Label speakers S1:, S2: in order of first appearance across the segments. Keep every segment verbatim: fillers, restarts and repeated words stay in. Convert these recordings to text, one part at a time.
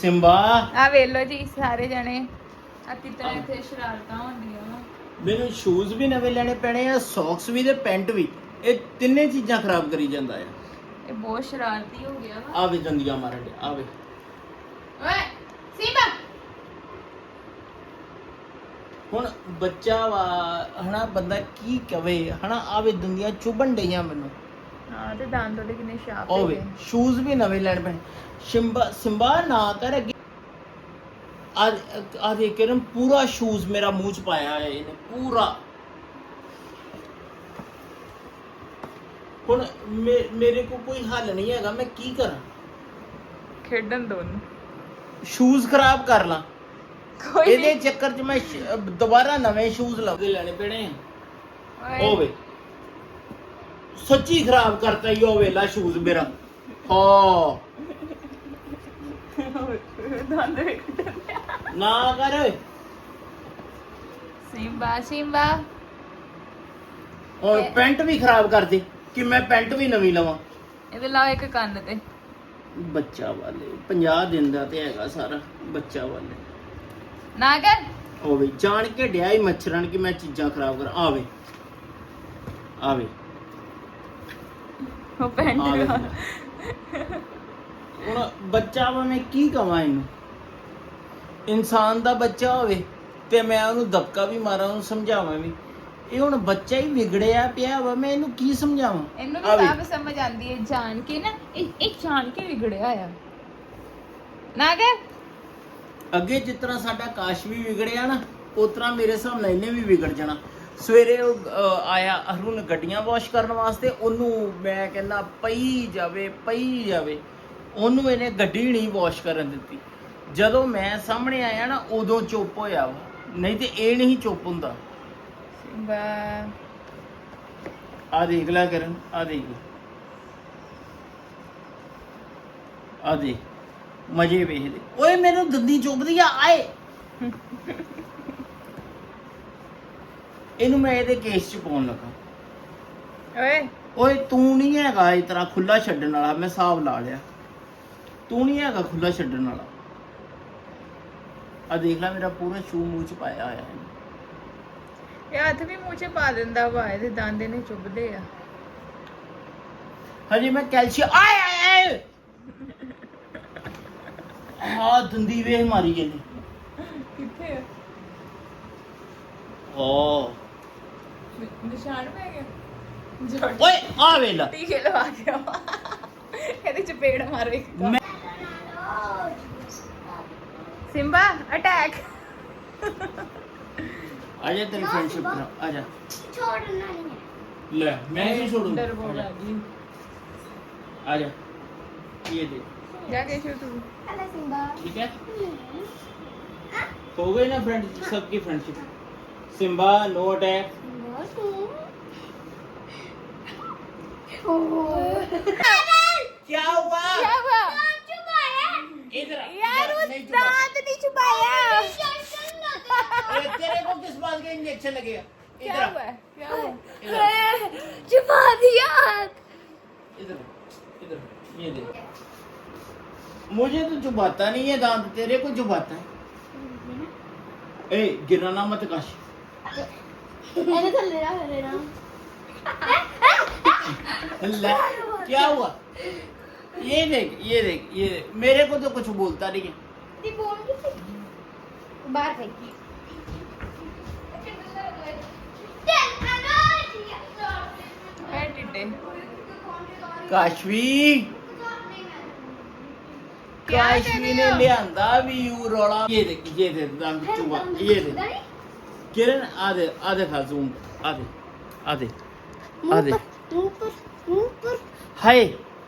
S1: Simba
S2: ਆ ਵੇਖ ਲੋ ਜੀ ਸਾਰੇ ਜਣੇ ਆ ਕਿਤਨੇ ਇੱਥੇ ਸ਼ਰਾਰਤਾਂ ਹੁੰਦੀਆਂ ਵਾ।
S1: ਮੈਨੂੰ ਸ਼ੂਜ਼ ਵੀ ਨਵੇਂ ਲੈਣੇ ਪੈਣੇ ਆ, ਸੌਕਸ ਵੀ ਤੇ ਪੈਂਟ ਵੀ। ਇਹ ਤਿੰਨੇ ਚੀਜ਼ਾਂ ਖਰਾਬ ਕਰੀ ਜਾਂਦਾ ਆ।
S2: ਇਹ ਬਹੁਤ ਸ਼ਰਾਰਤੀ ਹੋ ਗਿਆ ਵਾ।
S1: ਆਵੇ ਦੰਦੀਆਂ ਮਾਰਨ ਡਿਆ, ਆਵੇ
S2: ਓਏ ਸਿੰਬਾ
S1: ਹੁਣ ਬੱਚਾ ਵਾ ਹਨਾ, ਬੰਦਾ ਕੀ ਕਵੇ ਹਨਾ। ਆਵੇ ਦੰਦੀਆਂ ਚੁਭਣ ਡਈਆਂ ਮੈਨੂੰ।
S2: ਹਾਂ ਤੇ ਦੰਦ ਉਹਦੇ ਕਿੰਨੇ ਸ਼ਾਰਪ
S1: ਆਵੇ ਸ਼ੂਜ਼ ਵੀ ਨਵੇਂ ਲੈਣੇ ਪੈਣੇ। ਸਿੰਬਾ ਸਿੰਬਾ ਨਾ ਕਰ ਅੱਗੇ। ਆ ਆ ਦੇ ਕਰਮ ਪੂਰਾ ਸ਼ੂਜ਼ ਮੇਰਾ ਮੂੰਹ ਚ ਪਾਇਆ ਹੈ ਇਹਨੇ ਪੂਰਾ। ਹੁਣ ਮੇਰੇ ਕੋ ਕੋਈ ਹੱਲ ਨਹੀਂ ਹੈਗਾ, ਮੈਂ ਕੀ ਕਰਾਂ?
S2: ਖੇਡਣ ਦੋ ਉਹਨੂੰ।
S1: ਸ਼ੂਜ਼ ਖਰਾਬ ਕਰ ਲਾਂ
S2: ਕੋਈ
S1: ਇਹਦੇ ਚੱਕਰ ਚ ਮੈਂ ਦੁਬਾਰਾ ਨਵੇਂ ਸ਼ੂਜ਼ ਲੱਭਦੇ ਲੈਣੇ ਪੈਣੇ ਆ। ਹੋਵੇ ਸੱਚੀ ਖਰਾਬ ਕਰਤਾ ਹੀ ਉਹ ਵੇਲਾ ਸ਼ੂਜ਼ ਮੇਰਾ। ਹਾਂ
S2: ਦੰਦ ਵੇਖ
S1: ਨਾ ਕਰ ਓਏ।
S2: ਸਿੰਬਾ ਸਿੰਬਾ
S1: ਹੁਣ ਪੈਂਟ ਵੀ ਖਰਾਬ ਕਰ ਦੇ ਕਿ ਮੈਂ ਪੈਂਟ ਵੀ ਨਵੀਂ ਲਵਾਂ।
S2: ਇਹਦੇ ਲਾਓ ਇੱਕ ਕੰਨ ਤੇ।
S1: ਬੱਚਾ ਵਾਲੇ ਪੰਜਾਹ ਦਿਨ ਦਾ ਤੇ ਹੈਗਾ ਸਾਰਾ ਬੱਚਾ ਵਾਲੇ।
S2: ਨਾ ਕਰ
S1: ਹੋਵੇ ਜਾਣ ਕੇ ਡਿਆ ਹੀ ਮੱਛਰਨ ਕਿ ਮੈਂ ਚੀਜ਼ਾਂ ਖਰਾਬ ਕਰਾਂ। ਆਵੇ ਆਵੇ
S2: ਉਹ ਪੈਂਟ
S1: ਆਵੇ
S2: ਦਾ
S1: ਹੁਣ ਬੱਚਾ ਵਾ, ਮੈਂ ਕੀ ਕਵਾਂ ਇਹਨੂੰ? ਇਨਸਾਨ ਦਾ ਬੱਚਾ ਹੋਵੇ ਤੇ ਮੈਂ ਉਹਨੂੰ ਦਬਕਾ ਵੀ ਮਾਰਾਂ, ਉਹਨੂੰ ਸਮਝਾਵਾਂ ਵੀ। ਇਹ ਹੁਣ ਬੱਚਾ ਹੀ ਵਿਗੜਿਆ ਪਿਆ ਵਾ, ਮੈਂ ਇਹਨੂੰ ਕੀ ਸਮਝਾਵਾਂ?
S2: ਇਹਨੂੰ ਵੀ ਸਭ ਸਮਝ ਆਂਦੀ ਹੈ ਜਾਣ ਕੇ ਨਾ। ਇਹ ਇਹ ਜਾਣ ਕੇ ਵਿਗੜਿਆ ਆ। ਨਾ ਕਰ
S1: ਅੱਗੇ ਜਿਸ ਤਰ੍ਹਾਂ ਸਾਡਾ ਕਾਸ਼ ਵੀ ਵਿਗੜਿਆ ਨਾ, ਉਸ ਤਰ੍ਹਾਂ ਮੇਰੇ ਹਿਸਾਬ ਨਾਲ ਇਹਨੇ ਵੀ ਵਿਗੜ ਜਾਣਾ। ਸਵੇਰੇ ਉਹ ਅਹ, ਆਇਆ ਅਰੁਣ ਗੱਡੀਆਂ ਵਾਸ਼ ਕਰਨ ਵਾਸਤੇ, ਉਹਨੂੰ ਮੈਂ ਕਹਿੰਦਾ ਪਈ ਜਾਵੇ ਪਈ ਜਾਵੇ, ਉਹਨੂੰ ਇਹਨੇ ਗੱਡੀ ਨਹੀਂ ਵਾਸ਼ ਕਰਨ ਦਿੱਤੀ। ਜਦੋਂ ਮੈਂ ਸਾਹਮਣੇ ਆਇਆ ਨਾ ਉਦੋਂ ਚੁੱਪ ਹੋਇਆ ਵਾ, ਨਹੀਂ ਤੇ ਇਹ ਨਹੀਂ ਚੁੱਪ ਹੁੰਦਾ।
S2: ਸਿੰਬਾ
S1: ਆ ਦੇਖ ਲੈ ਕਰਨ, ਆ ਦੇਖ ਆ ਦੇਖ ਮਜੇ ਵੇਖਦੇ। ਓਏ ਮੈਨੂੰ ਦੰਦੀ ਚੁੱਭਦੀ ਆ ਆਏ। ਇਹਨੂੰ ਮੈਂ ਇਹਦੇ ਕੇਸ ਚ ਪਾਉਣ ਲੱਗਾ।
S2: ਓਏ
S1: ਓਏ ਤੂੰ ਨਹੀਂ ਹੈਗਾ ਇਸ ਤਰ੍ਹਾਂ ਖੁੱਲਾ ਛੱਡਣ ਵਾਲਾ, ਮੈਂ ਹਿਸਾਬ ਲਾ ਲਿਆ। ਤੂੰ ਨਹੀਂ ਹੈਗਾ ਖੁੱਲਾ ਛੱਡਣ ਵਾਲਾ। ਆ ਦੇਖ ਲੈ ਮੇਰਾ ਪੂਰਾ ਸ਼ੂ ਮੂੰਹ ਚ ਪਾਇਆ ਹੋਇਆ ਹੈ।
S2: ਇਹ ਹੱਥ ਵੀ ਮੂੰਹ 'ਚ ਪਾ ਦਿੰਦਾ ਵਾ। ਇਹਦੇ ਦੰਦ ਇਹਨੇ ਚੁੱਭਦੇ ਆ।
S1: ਹਜੇ ਮੈਂ ਕੈਲਸ਼ੀਅਮ ਆਏ ਆਏ ਆਏ ਆ ਦੰਦੀ ਵੇਖ ਮਾਰੀ ਇਹਨੇ।
S2: ਕਿੱਥੇ ਆ?
S1: ਓ
S2: ਨਿਸ਼ਾਨ ਪੈ ਗਿਆ।
S1: ਓਏ ਆ ਵੇਲਾ
S2: ਟੀਕੇ ਲਵਾ ਗਿਆ ਵਾ। ਇਹਦੇ ਚਪੇੜ ਮਾਰੋ ਇੱਕ।
S1: ਮੈਂ
S2: ਸਿੰਬਾ ਅਟੈਕ।
S1: ਆਜਾ ਤੇਰੀ ਫਰੈਂਡਸ਼ਿਪ ਕਰਾ, ਆਜਾ।
S3: छोड़ना नहीं है।
S1: ਲੈ ਮੈਂ ਨਹੀਂ ਛੋੜੂੰਗਾ।
S2: ਡਰਪੋਕ ਆ ਗਈ।
S1: आजा ये दे।
S2: ਜਾ ਕੇ ਸ਼ੂ ਤੂੰ।
S3: Hello Simba.
S1: ठीक है हो गई ना फ्रेंड सबकी फ्रेंडशिप। Simba no attack. क्या हुआ?
S2: क्या हुआ?
S1: इधर आ,
S2: यार
S1: इधर,
S2: वो
S1: नहीं छुपा।
S2: दांत नहीं छुपाया।
S1: अरे तेरे को किस बात का इंजेक्शन लगेगा?
S2: क्या
S1: इधर आ,
S2: हुआ? क्या हुआ?
S1: इधर
S3: छुपा दिया।
S1: इधर इधर ये दे। मुझे तो चुभाता नहीं है दांत, तेरे को चुभाता है। ए गिराना मत काश।
S3: मैंने तो ले रहा ले रहा।
S1: अल्लाह क्या हुआ? ये देख ये देख ये देख। मेरे को तो कुछ बोलता नहीं है।
S3: ती बोल की बाहर फेंकी।
S2: है टिड्डे।
S1: काशवी
S2: क्या
S1: काशवी
S2: कर
S1: ने
S2: रहे हो?
S1: लियांदा भी यू रोला। ये देख ये देख दांत चुभा ये देख। किरण आधे आधे खा जूम आधे आधे आधे
S3: मुंह पर मुंह पर
S1: हाय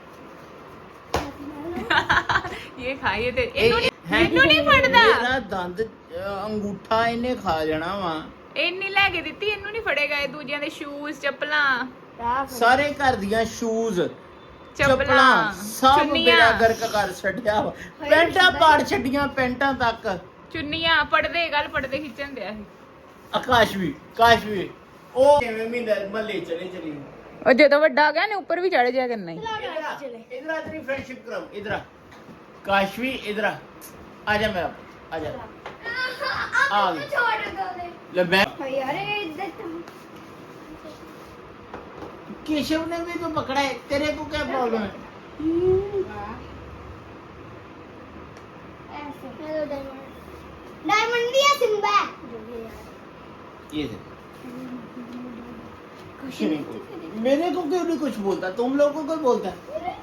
S2: ये खाइए ते
S1: ਇਹ-
S2: ਇਹਨੂੰ
S1: ਇਹ- ਹੈ
S2: ਇਹਨੂੰ ਨਹੀਂ ਫੜਦਾ।
S1: ਮੇਰਾ ਦੰਦ ਅ, ਅੰਗੂਠਾ ਇਹਨੇ ਖਾ ਜਾਣਾ ਵਾ।
S2: ਇੰਨੀ ਲੈ ਕੇ ਦਿੱਤੀ, ਇਹਨੂੰ ਨਹੀਂ ਫੜੇਗਾ। ਇਹ ਦੂਜਿਆਂ ਦੇ ਸ਼ੂਜ਼ ਚੱਪਲਾਂ
S1: ਸਾਰੇ ਘਰ ਦੀਆਂ ਸ਼ੂਜ਼ ਚੱਪਲਾਂ
S2: ਚੱਪਲਾਂ
S1: ਸਭ
S2: ਚੁੰਨੀਆਂ
S1: ਮੇਰਾ ਗਰਕ ਕਰ ਛੱਡਿਆ ਵਾ। ਪੈਂਟਾਂ ਪਾੜ ਛੱਡੀਆਂ ਪੈਂਟਾਂ ਤੱਕ।
S2: ਚੁੰਨੀਆਂ ਪੜਦੇ ਗੱਲ ਪੜਦੇ ਖਿੱਚਣ ਦਿਆ ਸੀ।
S1: ਆਕਾਸ਼ ਵੀ ਕਾਸ਼ ਵੀ ਉਹ ਕਿਵੇਂ ਮਹੀਨੇ ਮੱਲੇ ਚਲੇ ਚਲੀ।
S2: ਉਹ ਜਦੋਂ ਵੱਡਾ ਹੋ ਗਿਆ ਨੇ ਉੱਪਰ ਵੀ ਚੜ ਜਾਇਆ ਕਰਨਾ ਹੀ।
S1: इधर आ तेरी फ्रेंडशिप करो। इधर आ काशवी इधर आ ਆ ਜਾ ਮੇਰਾ ਪੁੱਤ, ਆ ਜਾ ਆ ਗਈ।
S3: छोड़ दो दे
S1: ਲੈ ਮੈਂ
S3: यार इधर तुम
S1: केशव ने भी तो पकड़ा है, तेरे को क्या प्रॉब्लम है?
S3: ऐसे हेलो डायमंड डायमंड दिया सिम्बा
S1: ये दे। कुछ नहीं बोलता, मेरे को क्यों नहीं कुछ बोलता, तुम लोगों को बोलता है।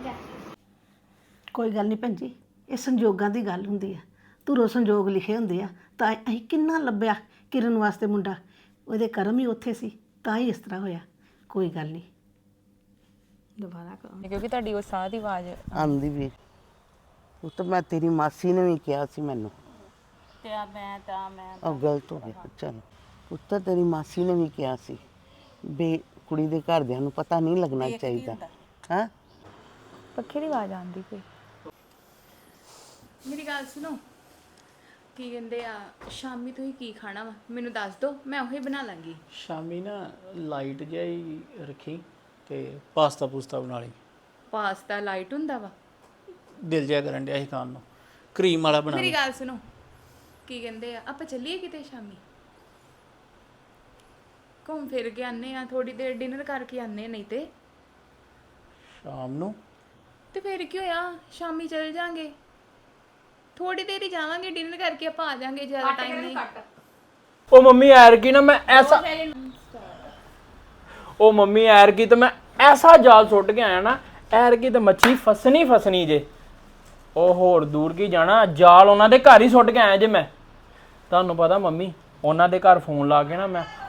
S4: ਕੋਈ ਗੱਲ ਨਹੀਂ ਭੈਣ ਜੀ, ਇਹ ਸੰਜੋਗਾਂ ਦੀ ਗੱਲ ਹੁੰਦੀ ਆ। ਧੁਰੋਂ ਸੰਜੋਗ ਲਿਖੇ ਹੁੰਦੇ ਆ। ਤਾਂ ਅਸੀਂ ਕਿੰਨਾ ਲੱਭਿਆ ਕਿਰਨ ਵਾਸਤੇ ਮੁੰਡਾ, ਉਹਦੇ ਕਰਮ ਹੀ ਉੱਥੇ ਸੀ, ਤਾਂ ਹੀ ਇਸ ਤਰ੍ਹਾਂ ਹੋਇਆ। ਕੋਈ ਗੱਲ ਨਹੀਂ, ਦੁਬਾਰਾ ਕਰੋ।
S2: ਕਿਉਂਕਿ ਤੁਹਾਡੀ ਉਹ ਸਾਹ ਦੀ ਆਵਾਜ਼
S5: ਆਂਦੀ ਵੀ ਉਹ ਤਾਂ ਮੈਂ ਤੇਰੀ ਮਾਸੀ ਨੇ ਵੀ ਕਿਹਾ ਸੀ ਮੈਨੂੰ
S2: ਤੇ ਆ ਮੈਂ ਤਾਂ ਮੈਂ
S5: ਉਹ ਗਲਤ ਹੋ ਗਿਆ। ਚਲ ਉਹ ਤਾਂ ਤੇਰੀ ਮਾਸੀ ਨੇ ਵੀ ਕਿਹਾ ਸੀ ਬੇ ਕੁੜੀ ਦੇ ਘਰਦਿਆਂ ਨੂੰ ਪਤਾ ਨਹੀਂ ਲੱਗਣਾ ਚਾਹੀਦਾ। ਹਾਂ
S2: ਪੱਖੇ ਦੀ ਆਵਾਜ਼ ਆਉਂਦੀ ਕੋਈ। ਮੇਰੀ ਗੱਲ ਸੁਣੋ, ਕੀ ਕਹਿੰਦੇ ਆ ਸ਼ਾਮੀ ਤੁਸੀਂ ਕੀ ਖਾਣਾ ਵਾ ਮੈਨੂੰ ਦੱਸ ਦਿਓ, ਮੈਂ ਉਹੀ ਬਣਾ ਲਾਂਗੀ।
S6: ਸ਼ਾਮੀ ਨਾ ਲਾਈਟ ਜਿਹਾ ਹੀ ਰੱਖੀ ਤੇ ਪਾਸਤਾ ਪੂਸਤਾ ਬਣਾ ਲਈ।
S2: ਪਾਸਤਾ ਲਾਈਟ ਹੁੰਦਾ ਵਾ।
S6: ਦਿਲ ਜਿਹਾ ਕਰਨ ਡਿਆ ਸੀ ਖਾਣ ਨੂੰ, ਕਰੀਮ ਵਾਲਾ ਬਣਾ
S2: ਮੇਰੀ
S6: ਲਈ।
S2: ਗੱਲ ਸੁਣੋ, ਕੀ ਕਹਿੰਦੇ ਆ ਆਪਾਂ ਚੱਲੀਏ ਕਿਤੇ ਸ਼ਾਮੀ, ਘੁੰਮ ਫਿਰ ਕੇ ਆਨੇ ਆ, ਥੋੜੀ ਦੇਰ ਡਿਨਰ ਕਰਕੇ ਆਨੇ, ਨਹੀਂ ਤੇ
S6: ਸ਼ਾਮ ਨੂੰ
S2: ਤੇ ਫਿਰ ਕੀ ਹੋਇਆ, ਸ਼ਾਮੀ ਚੱਲ ਜਾਾਂਗੇ, ਥੋੜੀ ਦੇਰ ਹੀ ਜਾਵਾਂਗੇ, ਡਿਨਰ ਕਰਕੇ ਆਪਾਂ ਆ ਜਾਾਂਗੇ, ਜ਼ਿਆਦਾ ਟਾਈਮ ਨਹੀਂ।
S7: ਉਹ ਮੰਮੀ ਐਰ ਕੀ ਨਾ ਮੈਂ ਐਸਾ ਉਹ ਮੰਮੀ ਐਰ ਕੀ ਤਾਂ ਮੈਂ ਐਸਾ ਜਾਲ ਸੁੱਟ ਕੇ ਆਇਆ ਨਾ, ਐਰ ਕੀ ਤਾਂ ਮੱਛੀ ਫਸਣੀ ਫਸਣੀ ਜੇ। ਉਹ ਹੋਰ ਦੂਰ ਕੀ ਜਾਣਾ, ਜਾਲ ਉਹਨਾਂ ਦੇ ਘਰ ਹੀ ਸੁੱਟ ਕੇ ਆਇਆ ਜੇ ਮੈਂ। ਤੁਹਾਨੂੰ ਪਤਾ ਮੰਮੀ, ਉਹਨਾਂ ਦੇ ਘਰ ਫੋਨ ਲਾ ਕੇ ਨਾ ਮੈਂ